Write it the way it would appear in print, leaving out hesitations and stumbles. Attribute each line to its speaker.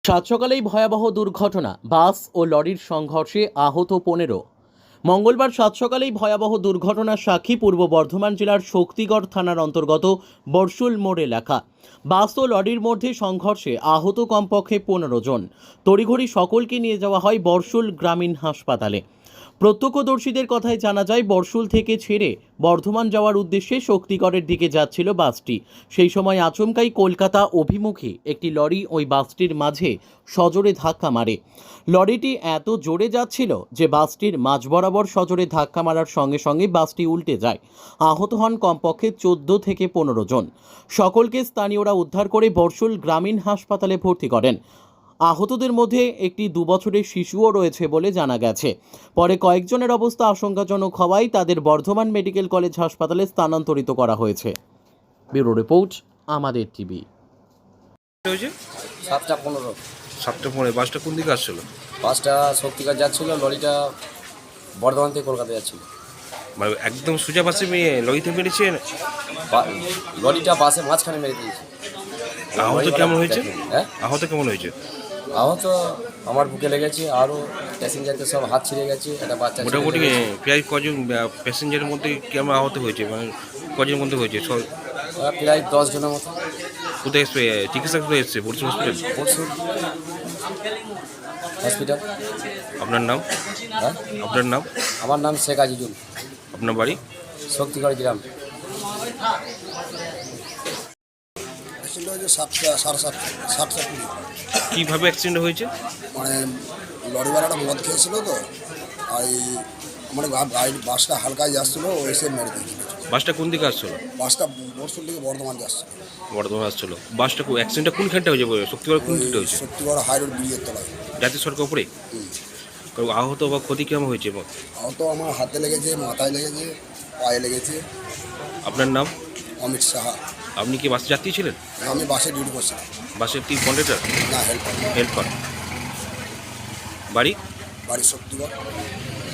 Speaker 1: সাত সকালেই ভয়াবহ দুর্ঘটনা, বাস ও লরির সংঘর্ষে আহত 15। মঙ্গলবার সাত সকালেই ভয়াবহ দুর্ঘটনার সাক্ষী পূর্ব বর্ধমান জেলার শক্তিগড় থানার অন্তর্গত বরশুল মোড় এলাকা। বাস ও লরির মধ্যে সংঘর্ষে আহত কমপক্ষে 15 জন। তড়িঘড়ি সকলকে নিয়ে যাওয়া হয় বরশুল গ্রামীণ হাসপাতালে। প্রত্যক্ষদর্শীদের কথায় জানা যায়, বরশুল থেকে ছেড়ে বর্ধমান যাওয়ার উদ্দেশ্যে শক্তিগড়ের দিকে যাচ্ছিল বাসটি। সেই সময় আচমকাই কলকাতা অভিমুখী একটি লরি ওই বাসটির মাঝে সজোরে ধাক্কা মারে। লরিটি এত জোরে যাচ্ছিল যে বাসটির মাঝ বরাবর সজোরে ধাক্কা মারার সঙ্গে সঙ্গে বাসটি উল্টে যায়। আহত হন কমপক্ষে 14 থেকে 15 জন। সকলকে স্থানীয়রা উদ্ধার করে বরশুল গ্রামীণ হাসপাতালে ভর্তি করেন। আহতদের মধ্যে একটি 2 বছরের শিশুও রয়েছে বলে জানা গেছে। পরে কয়েকজনের অবস্থা আশঙ্কাজনক হওয়ায় তাদের বর্ধমান মেডিকেল কলেজ হাসপাতালে স্থানান্তরিত করা হয়েছে। ব্যুরো রিপোর্ট, আমাদের টিভি।
Speaker 2: হয়েছে
Speaker 3: 7:15।
Speaker 2: 7:15 বাসটা কোন দিকে আসছিল?
Speaker 3: বাসটা শক্তিগড় যাচ্ছিল, লরিটা বর্ধমান থেকে কলকাতা যাচ্ছিল।
Speaker 2: মানে একদম সোজা পাশে লরিতে মেরেছে?
Speaker 3: লরিটা বাসে মাঝখানে মেরে দিয়েছে।
Speaker 2: আহত কেমন হয়েছে?
Speaker 3: হ্যাঁ,
Speaker 2: আহত কেমন হয়েছে?
Speaker 3: আহত আমার বুকে লেগেছে, আরও প্যাসেঞ্জারদের সব হাত ছিঁড়ে গেছে। একটা বাচ্চা
Speaker 2: মোটামুটি প্রায় কজন প্যাসেঞ্জারের মধ্যে কেমন আহত হয়েছে, মানে কজনের মধ্যে হয়েছে?
Speaker 3: প্রায় 10 জনের মতো।
Speaker 2: কোথায় চিকিৎসা কোথায় এসছে? বলছি হসপিটাল?
Speaker 3: পরশু হসপিটাল।
Speaker 2: আপনার নাম?
Speaker 3: হ্যাঁ,
Speaker 2: আপনার নাম?
Speaker 3: আমার নাম শেখ আজিজুল,
Speaker 2: আপনার বাড়ি?
Speaker 3: শক্তিগড় গ্রাম।
Speaker 4: অ্যাক্সিডেন্ট হয়েছে 7:30
Speaker 2: কীভাবে অ্যাক্সিডেন্ট হয়েছে?
Speaker 4: মানে লরিওয়ালাটা মদ খেয়েছিল তো, আর মানে বাসটা হালকায় যাচ্ছিলো, ও এসে মেরে দিয়েছিল।
Speaker 2: বাসটা কোন দিকে আসছিল?
Speaker 4: বাসটা বরশুল থেকে বর্ধমান যাচ্ছিল।
Speaker 2: বর্ধমান আসছিল। বাসটা অ্যাক্সিডেন্টটা কোনখানটা হয়েছে? শক্তিগড় কোন দিকটা হয়েছে?
Speaker 4: শক্তিগড় হাইরোড ব্রিজের তলায়।
Speaker 2: জাতীয় সড়কের উপরে? আহত বা ক্ষতি কেমন হয়েছে?
Speaker 4: আহত আমার হাতে লেগেছে, মাথায় লেগেছে, পায়ে লেগেছে।
Speaker 2: আপনার নাম?
Speaker 4: অমিত সাহা।
Speaker 2: আপনি কি বাসে যাত্রী ছিলেন?
Speaker 4: আমি বাসে ডিউটি করছিলাম।
Speaker 2: বাসের কি কন্ডাক্টর?
Speaker 4: না, হেল্পার।
Speaker 2: হেল্পার। বাড়ি?
Speaker 4: বাড়ি শক্তিগড়।